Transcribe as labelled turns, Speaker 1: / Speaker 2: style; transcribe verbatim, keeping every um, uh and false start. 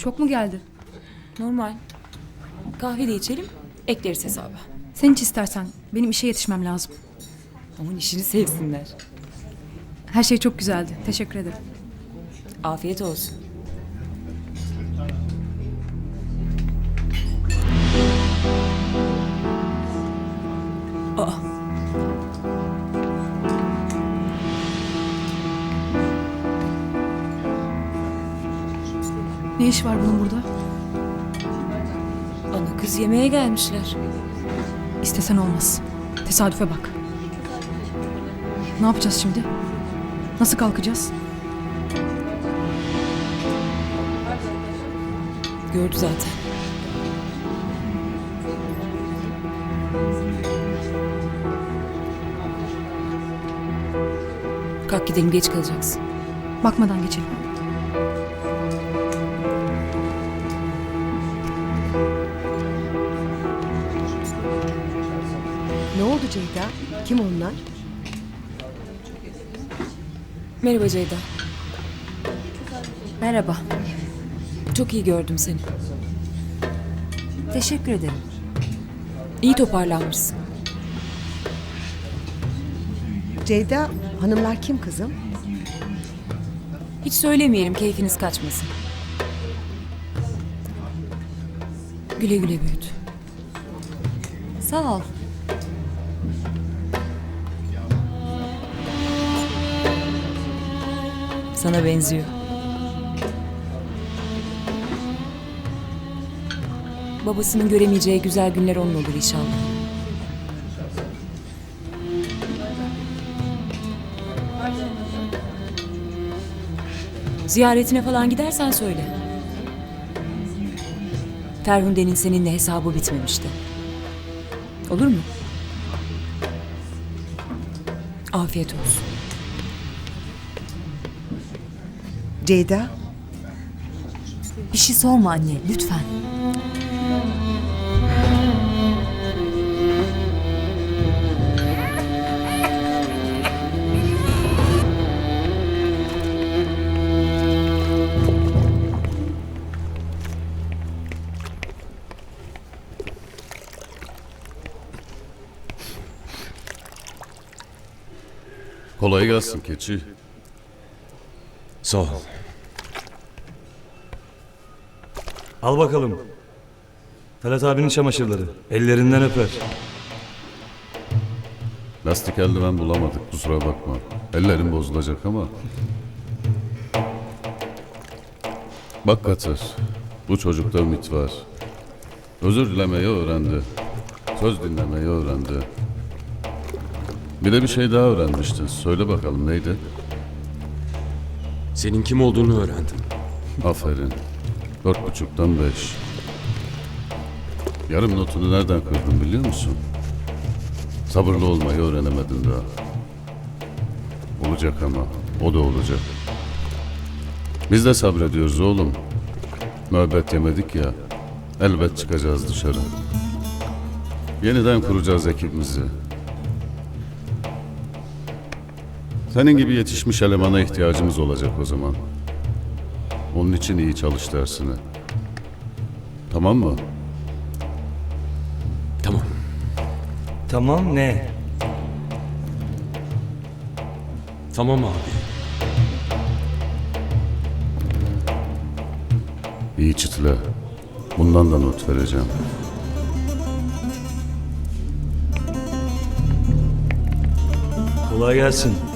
Speaker 1: Çok mu geldi?
Speaker 2: Normal. Kahve de içelim, ekleriz hesaba.
Speaker 1: Sen hiç istersen. Benim işe yetişmem lazım.
Speaker 2: Aman işini sevsinler.
Speaker 1: Her şey çok güzeldi. Teşekkür ederim.
Speaker 2: Afiyet olsun. Aa.
Speaker 1: Ne iş var bunun burada?
Speaker 2: Ana kız yemeğe gelmişler.
Speaker 1: İstesen olmaz. Tesadüfe bak. Ne yapacağız şimdi? Nasıl kalkacağız?
Speaker 2: Gördü zaten. Kalk gidelim, geç kalacaksın.
Speaker 1: Bakmadan geçelim.
Speaker 3: Ne oldu Ceyda? Kim onlar?
Speaker 2: Merhaba Ceyda. Merhaba. Çok iyi gördüm seni.
Speaker 3: Teşekkür ederim.
Speaker 2: İyi toparlanmışsın.
Speaker 3: Ceyda, hanımlar kim kızım?
Speaker 2: Hiç söylemeyelim, keyfiniz kaçmasın. Güle güle büyüt.
Speaker 3: Sağ ol.
Speaker 2: Sana benziyor. Babasının göremeyeceği güzel günler onun olur inşallah. Ziyaretine falan gidersen söyle. Ferhunde'nin seninle hesabı bitmemişti. Olur mu? Afiyet olsun.
Speaker 3: Ceyda,
Speaker 2: Bir şey sorma anne, lütfen.
Speaker 4: Kolay gelsin keçi.
Speaker 5: Sağ ol. Al bakalım. Talat abinin çamaşırları. Ellerinden öper.
Speaker 4: Lastik eldiven bulamadık, kusura bakma. Ellerim bozulacak ama. Bak Katır, bu çocukta ümit var. Özür dilemeyi öğrendi. Söz dinlemeyi öğrendi. Bir de bir şey daha öğrenmiştin. Söyle bakalım neydi?
Speaker 6: Senin kim olduğunu öğrendim.
Speaker 4: Aferin. Dört buçuktan beş. Yarım notunu nereden kırdın biliyor musun? Sabırlı olmayı öğrenemedin daha. Olacak ama. O da olacak. Biz de sabrediyoruz oğlum. Müebbet yemedik ya. Elbet çıkacağız dışarı. Yeniden kuracağız ekibimizi. Senin gibi yetişmiş elemana ihtiyacımız olacak o zaman. Onun için iyi çalış dersini. Tamam mı?
Speaker 6: Tamam.
Speaker 5: Tamam ne?
Speaker 6: Tamam abi.
Speaker 4: İyi çıtla. Bundan da not vereceğim.
Speaker 5: Kolay gelsin.